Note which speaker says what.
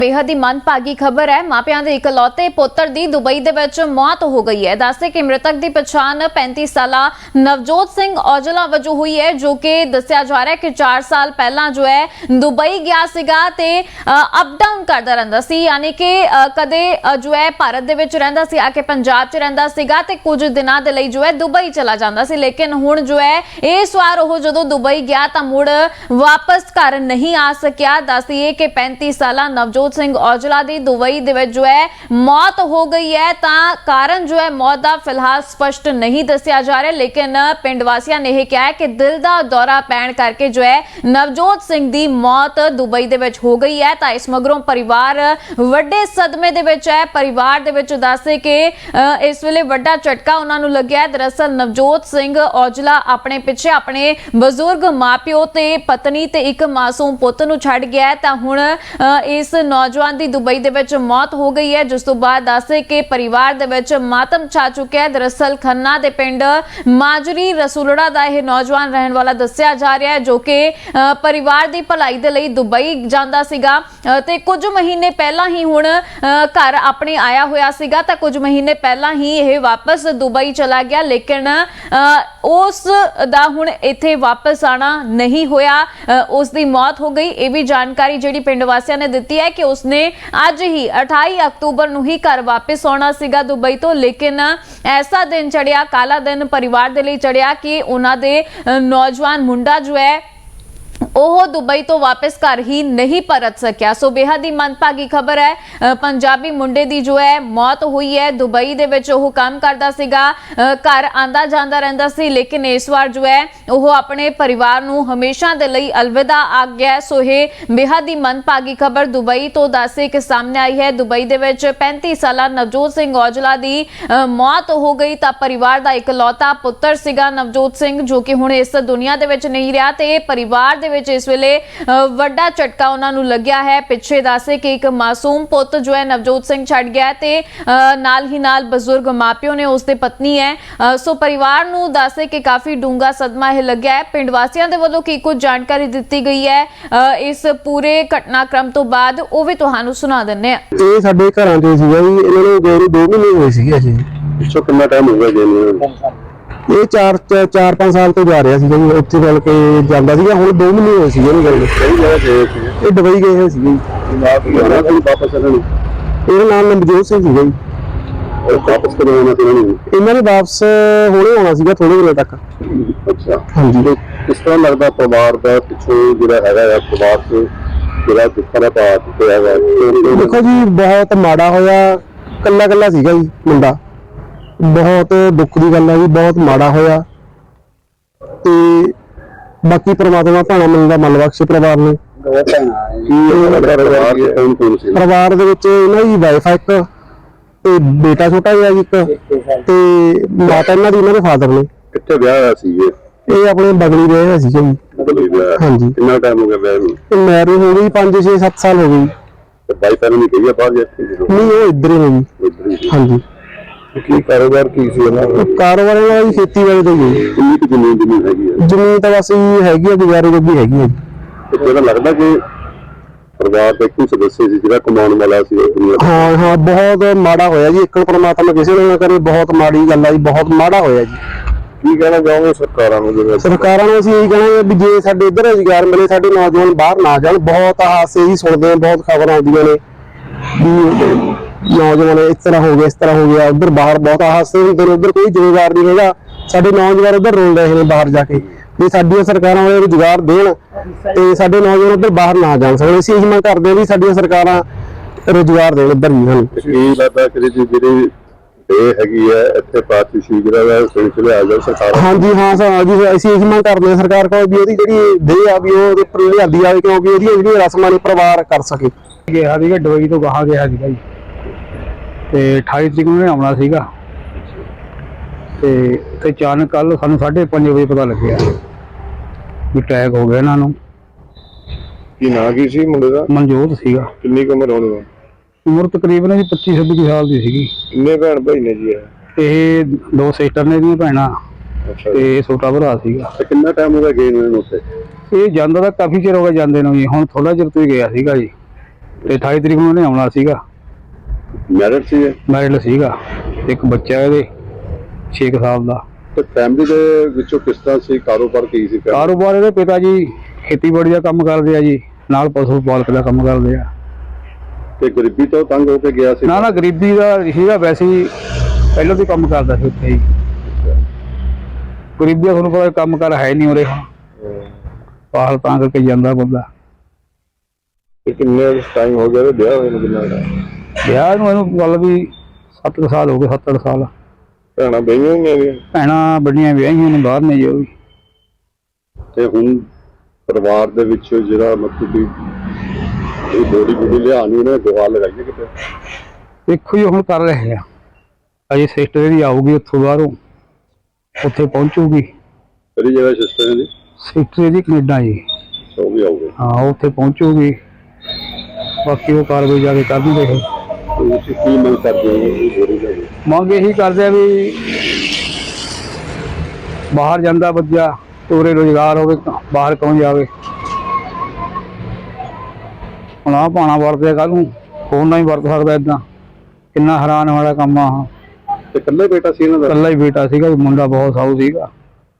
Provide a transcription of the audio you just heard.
Speaker 1: बेहद ही मनभागी खबर है। मापियां दे इकलौते पुत्र दी दुबई दे विच मौत हो गई है। दसदे कि मृतक की पछाण 35 साला नवजोत सिंह औजला वजों हुई है, जो कि दस्सिया जा रहा है कि 4 साल पहला जो है दुबई गया सीगा ते अप डाउन करदा रहिंदा सी, यानी कि कदे जो है भारत दे विच रहिंदा सी, आके पंजाब च रहिंदा सीगा ते कुछ दिनां दे लई जो है दुबई चला जांदा सी। लेकिन हुण जो है इस वार ओह जदों दुबई गया तां मुड़ वापस घर नहीं आ सकिया। दस दईए कि 35 साला नवजोत सिंह औजला दी दुबई दे विच जो है मौत हो गई है। तां कारण जो है मौत दा फिलहाल स्पष्ट नहीं दस्सिया जा रहा, लेकिन पिंड वासियां ने यह कहा है कि दिल दा दौरा पैण करके जो है नवजोत सिंह दी मौत दुबई दे विच हो गई है। तां इस मगरों परिवार वड्डे सदमे दे विच है। परिवार दे विच दस्से कि इस वेले वड्डा झटका उन्हां नूं लग्या है। दरअसल नवजोत सिंह औजला अपने पिछे अपने बजुर्ग मापिओ ते पत्नी ते एक मासूम पुੱਤ ਨੂੰ ਛੱਡ ਗਿਆ ਹੈ। ਤਾਂ ਹੁਣ ਇਸ नौजवान की दुबई दे विच मौत हो गई है, जिस तो बाद दस्से कि परिवार दे विच मातम छा चुका है। दरअसल खन्ना दे पिंड माजरी रसूलड़ा दा यह नौजवान रहने वाला दस्सिया जा रहा है, जो कि परिवार की भलाई दे लई दुबई जांदा सीगा ते कुछ महीने पहला ही हुण घर अपने आया होया सीगा। तां कुछ महीने पहला ही यह वापस दुबई चला गया, लेकिन उस दा हुण इत्थे वापस आना नहीं होया, उसकी मौत हो गई। यह भी जानकारी जिहड़ी पिंड वासियां ने दित्ती है कि उसने अज ही 28 अक्तूबर नूं ही घर वापस आउणा सीगा दुबई तो, लेकिन ऐसा दिन चढ़िया, काला दिन परिवार दे लई चढ़िया कि उन्हां दे नौजवान मुंडा जो है ओह दुबई तो वापस घर ही नहीं परत सकिया। सो बेहद ही मनभागी खबर है। पंजाबी मुंडे दी जो है मौत हुई है। दुबई दे विच ओह काम करदा सीगा, घर आंदा जांदा रहिंदा सी, लेकिन इस बार जो है ओह अपने परिवार नूं हमेशा दे लई अलविदा आ गया। सो यह बेहद ही मनभागी खबर दुबई तो दस्से कि सामने आई है। दुबई दे विच 35 साला नवजोत सिंह औजला दी मौत हो गई। तां परिवार दा इकलौता पुੱਤਰ सीगा नवजोत सिंह, जो कि हुण इस दुनिया दे विच नहीं रहा ते परिवार दे इस वेले वड्डा झटका उन्हां नूं लग्या है। पिछे दस्से कि एक मासूम पुੱਤ जो है नवजोत सिंह छड़ गया ते नाल ही नाल बजुर्ग मापिओ ने उसदे पत्नी है। सो परिवार नूं दस्से कि काफी डूंगा सदमा यह लग्या है। पिंड वासियां दे वल्लों की कुछ जानकारी दित्ती गई है इस पूरे घटनाक्रम तो बाद, ਉਹ ਵੀ ਤੁਹਾਨੂੰ ਸੁਣਾ ਦਿੰਨੇ ਆ।
Speaker 2: ਇਹ ਸਾਡੇ ਘਰਾਂ ਦੇ ਸੀਗਾ ਜੀ, ਇਹਨਾਂ ਨੂੰ ਗਏ ਨੂੰ 2 ਮਹੀਨੇ ਹੋਏ ਸੀਗੇ ਜੀ। ਪਿੱਛੋਂ ਕਿੰਨਾ ਟਾਈਮ ਹੋ ਗਿਆ ਜੀ ਇਹਨੂੰ? ਇਹ 4-5 ਸਾਲ ਤੋਂ ਜਾ ਰਿਹਾ ਸੀਗਾ ਜੀ, ਉੱਥੇ ਮਿਲ ਕੇ ਜਾਂਦਾ ਸੀਗਾ। ਹੁਣ 2 ਮਹੀਨੇ ਹੋਏ ਸੀਗੇ ਇਹਨੂੰ ਗਏ। ਸਹੀ ਜਗ੍ਹਾ ਗਏ ਸੀ ਇਹ, ਦੁਬਈ ਗਏ ਹੋਏ ਸੀਗੇ ਜੀ। ਵਾਪਸ ਇਹਨਾਂ ਨੂੰ ਇਹਦਾ ਨਾਮ ਨਵਜੋਤ ਸਿੰਘ ਸੀਗਾ ਜੀ। ਵਾਪਸ ਕਦੋਂ ਆਉਣਾ ਸੀ ਇਹਨਾਂ ਨੇ? ਵਾਪਸ ਹੁਣੇ ਆਉਣਾ ਸੀਗਾ, ਥੋੜੇ ਦਿਨਾਂ ਤੱਕ। ਅੱਛਾ, ਹਾਂਜੀ। ਕਿਸ ਤਰ੍ਹਾਂ ਲੱਗਦਾ ਪਰਿਵਾਰ ਦਾ ਪਿੱਛੋਂ ਜਿਹੜਾ ਹੈਗਾ ਆ ਪਰਿਵਾਰ ਚ ਜਿਹੜਾ ਜਿਸ ਤਰ੍ਹਾਂ ਪਾ ਚੁੱਕਿਆ ਹੈਗਾ? ਦੇਖੋ ਜੀ, ਬਹੁਤ ਮਾੜਾ ਹੋਇਆ। ਕੱਲਾ ਸੀਗਾ ਜੀ ਮੁੰਡਾ। बहुत दुख की गल है जी, बहुत माड़ा होया। ते बाकी परमात्मा भाणा मिलदा मन बख्शे परिवार नूं। परिवार दे विच इन्हां दी वाइफ है, एक ते बेटा छोटा जिहा जी, एक ते माता इन्हां दी, इन्हां दे फादर ने। कित्थे विआह होया सी ये? अपने बगली विआह होया सी जी। हाँ जी। कितना टाइम हो गया विआह नूं? मैरिज हो गई 5-6-7 साल हो गई। वाइफ ने नहीं कही बाहर जाके? नहीं, वो इधर ही है जी। हाँ जी। ਕੀ ਕਾਰੋਬਾਰ ਕੀ ਸੀ ਇਹਨਾਂ ਦਾ? ਕਾਰੋਬਾਰ ਇਹਨਾਂ ਦੀ ਖੇਤੀਬਾੜੀ ਦਾ ਹੀ। ਕਿੰਨੀ ਕੁ ਜ਼ਮੀਨ ਹੈਗੀ ਹੈ? ਜ਼ਮੀਨ ਤਾਂ ਬਸ ਹੈਗੀ ਆ, ਗੁਜ਼ਾਰੇ ਜੋਗੀ ਹੈਗੀ ਹੈ ਜੀ। ਤੁਹਾਨੂੰ ਲੱਗਦਾ ਕਿ ਪਰਿਵਾਰ ਦਾ ਇੱਕ ਸਦੱਸਯ ਸੀ ਜਿਹੜਾ ਕਮਾਉਣ ਵਾਲਾ ਸੀ? ਹਾਂ, ਬਹੁਤ ਮਾੜਾ ਹੋਇਆ ਜੀ। ਇੱਕ ਪਰਮਾਤਮਾ ਕਿਸੇ ਨੂੰ ਨਾ ਕਰੇ, ਬਹੁਤ ਮਾੜੀ ਗੱਲ ਆ ਜੀ, ਬਹੁਤ ਮਾੜਾ ਹੋਇਆ ਜੀ। ਕੀ ਕਹਿਣਾ ਚਾਹੋਗੇ ਸਰਕਾਰਾਂ ਨੂੰ? ਜਿਵੇਂ ਸਰਕਾਰਾਂ ਨੂੰ ਅਸੀਂ ਇਹੀ ਕਹਿਣਾ ਵੀ ਜੇ ਸਾਡੇ ਇੱਧਰ ਰੁਜ਼ਗਾਰ ਮਿਲੇ, ਸਾਡੇ ਨੌਜਵਾਨ ਬਾਹਰ ਨਾ ਜਾਣ। ਬਹੁਤ ਹਾਦਸੇ ਹੀ ਸੁਣਦੇ ਹਾਂ, ਬਹੁਤ ਖਬਰਾਂ ਆਉਂਦੀਆਂ ਨੇ ਵੀ नौजवान इस तरह हो गया, इस तरह हो गया। उधर बाहर बहुत हादसे होंगे, उधर कोई जिम्मेदार नहीं है। साडे नौजवान उधर रोल रहे हैं बाहर जाके, भी साडियां सरकारां वाले रोजगार देण ते साडे नौजवान उधर बाहर ना जा सकण। असीं इह मंग करदे भी साडियां सरकारां रोजगार देण उधर ही। हां, ਇਹ ਲੱਗਦਾ ਕਿ ਜਿਹੜੀ ਇਹ ਹੈਗੀ ਹੈ ਇੱਥੇ ਪਾਰਟੀਸ਼ੀ ਜਿਹੜਾ ਹੈ ਸਿਲਸਿਲੇ ਆ ਜਾ ਸਰਕਾਰ। ਹਾਂਜੀ, ਹਾਂ ਜੀ, ਅਸੀਂ ਇਹ ਮੰਗ ਕਰਦੇ ਹਾਂ ਸਰਕਾਰ ਕੋਲ ਵੀ ਇਹਦੀ ਜਿਹੜੀ ਦੇ ਆ ਵੀ ਉਹਦੇ ਉੱਪਰ ਲਿਆਂਦੀ ਆਵੇ, ਕਿਉਂਕਿ ਇਹਦੀਆਂ ਜਿਹੜੀਆਂ ਰਸਮਾਂ ਨੇ ਪਰਿਵਾਰ ਕਰ ਸਕੇ। ਗਿਆ ਸੀਗਾ ਦੁਬਈ ਤੋਂ ਗਾਹਾਂ ਗਿਆ ਸੀਗਾ ਜੀ, ਤੇ 28 ਤਰੀਕ ਨੂੰ ਆਉਣਾ ਸੀਗਾ ਤੇ ਅਚਾਨਕ ਕੱਲ ਸਾਨੂੰ 5:30 ਵਜੇ ਪਤਾ ਲੱਗਿਆ ਵੀ ਅਟੈਕ ਹੋ ਗਿਆ ਇਹਨਾਂ ਨੂੰ। ਕੀ ਨਾਂ ਕੀ ਸੀ ਮੁੰਡੇ ਦਾ? ਮਨਜੋਤ ਸੀਗਾ। ਕਿੰਨੀ ਕੁ ਉਮਰ ਹੋਣੀ? ਉਮਰ ਤਕਰੀਬਨ ਜੀ 25-26 ਸਾਲ ਦੀ ਸੀਗੀ। ਕਿੰਨੇ ਭੈਣ ਭਾਈ ਨੇ ਜੀ ਇਹ? 2 ਸਿਸਟਰ ਨੇ ਦੀਆਂ ਭੈਣਾਂ ਤੇ ਛੋਟਾ ਭਰਾ ਸੀਗਾ। ਕਿੰਨਾ ਟਾਈਮ ਹੋ ਗਿਆ ਗਏ ਨੂੰ ਉੱਥੇ? ਇਹ ਜਾਂਦਾ ਤਾਂ ਕਾਫੀ ਚਿਰ ਹੋ ਗਿਆ ਜਾਂਦੇ ਨੂੰ ਜੀ, ਹੁਣ ਥੋੜਾ ਚਿਰ ਤੋਂ ਹੀ ਗਿਆ ਸੀਗਾ ਜੀ।
Speaker 3: ਤੇ 28 ਤਰੀਕ ਨੂੰ ਉਹਨੇ ਆਉਣਾ ਸੀਗਾ।
Speaker 4: ਮੈਰਿਡ ਸੀ ਇਹ?
Speaker 3: ਮੈਰਿਡ ਸੀਗਾ, ਇੱਕ ਬੱਚਾ ਇਹਦੇ 6 ਸਾਲ ਦਾ।
Speaker 4: ਤੇ ਫੈਮਿਲੀ ਦੇ ਵਿੱਚੋਂ ਕਿਸ ਤਰ੍ਹਾਂ ਸੀ, ਕਾਰੋਬਾਰ ਕੀ ਸੀ?
Speaker 3: ਕਾਰੋਬਾਰ ਇਹਦੇ ਪਿਤਾ ਜੀ ਖੇਤੀਬਾੜੀ ਦਾ ਕੰਮ ਕਰਦੇ ਆ ਜੀ, ਨਾਲ ਪਸ਼ੂ ਪਾਲਕ ਦਾ ਕੰਮ ਕਰਦੇ ਆ।
Speaker 4: ਤੇ ਗਰੀਬੀ ਤੋਂ ਤੰਗ ਹੋ ਕੇ ਗਿਆ ਸੀ?
Speaker 3: ਨਾ ਗਰੀਬੀ ਦਾ ਸੀਗਾ, ਵੈਸੇ ਹੀ ਪਹਿਲਾਂ ਤੋਂ ਕੰਮ ਕਰਦਾ ਸੀ ਉੱਥੇ ਹੀ। ਗਰੀਬੀ ਦਾ ਤੁਹਾਨੂੰ ਪਤਾ ਕੰਮ ਕਰ ਹੈ ਨਹੀਂ ਉਰੇ ਹੁਣ, ਬਾਹਰ ਤਾਂ ਕਰਕੇ ਜਾਂਦਾ ਬੰਦਾ।
Speaker 4: ਕਿੰਨੇ ਟਾਈਮ ਹੋ ਗਿਆ ਵਿਆਹ ਹੋਏ ਨੂੰ? ਕਿੰਨਾ
Speaker 3: ਵਿਆਹ ਨੂੰ ਇਹਨੂੰ ਗੱਲ ਵੀ 7 ਸਾਲ ਹੋ ਗਏ, 7-8 ਸਾਲ।
Speaker 4: ਭੈਣਾਂ ਬਈਆਂ ਹੋਈਆਂ?
Speaker 3: ਭੈਣਾਂ ਵੱਡੀਆਂ ਵਿਆਹੀਆਂ ਨੇ, ਬਾਹਰ ਨੇ ਜੀ ਉਹ ਵੀ।
Speaker 4: ਤੇ ਹੁਣ ਪਰਿਵਾਰ ਦੇ ਵਿੱਚ ਜਿਹੜਾ ਮਤਲਬ ਕਿ ਇਹ ਬੋਡੀ ਲਿਆਉਣੀ, ਉਹਨੇ ਦੁਆ ਲਗਾਈ ਕਿਤੇ?
Speaker 3: ਦੇਖੋ ਜੀ ਹੁਣ ਕਰ ਰਹੇ ਆ, ਅਜੇ ਸਿਸਟਰ ਦੀ ਆਊਗੀ ਉੱਥੋਂ ਬਾਹਰੋਂ, ਉੱਥੇ ਪਹੁੰਚੂਗੀ।
Speaker 4: ਕਿਹੜੀ ਜਗ੍ਹਾ ਸਿਸਟਰ ਦੀ?
Speaker 3: ਸਿਸਟਰ ਦੀ ਕੈਨੇਡਾ ਜੀ।
Speaker 4: ਉਹ ਵੀ ਆਊਗੇ?
Speaker 3: ਹਾਂ, ਉੱਥੇ ਪਹੁੰਚੂਗੀ, ਬਾਕੀ ਉਹ ਕਾਰਵਾਈ ਜਾ ਕੇ ਕਰਨੀ ਦੇਖੋ।
Speaker 4: ਤੁਸੀਂ ਕੀ ਮੰਗ ਕਰਦੇ ਹੋ ਇਹ ਬੋਡੀ ਦਾ?
Speaker 3: ਮੰਗ ਇਹੀ ਕਰਦੇ ਆ ਵੀ ਬਾਹਰ ਜਾਂਦਾ ਬੱਚਾ, ਉਰੇ ਰੁਜ਼ਗਾਰ ਹੋਵੇ, ਬਾਹਰ ਕੌਣ ਜਾਵੇ। ਹੁਣ ਆਹ ਪਾਣਾ ਵਰਤਿਆ, ਕੱਲ ਨੂੰ ਹੋਰ ਨਹੀਂ ਵਰਤ ਸਕਦਾ। ਏਦਾਂ ਕਿੰਨਾ ਹੈਰਾਨ ਵਾਲਾ ਕੰਮ ਆ।
Speaker 4: ਤੇ ਇਕੱਲਾ ਬੇਟਾ ਸੀ ਇਹਨਾਂ ਦਾ?
Speaker 3: ਇਕੱਲਾ ਹੀ ਬੇਟਾ ਸੀਗਾ, ਮੁੰਡਾ ਬਹੁਤ ਸਾਊ ਸੀਗਾ।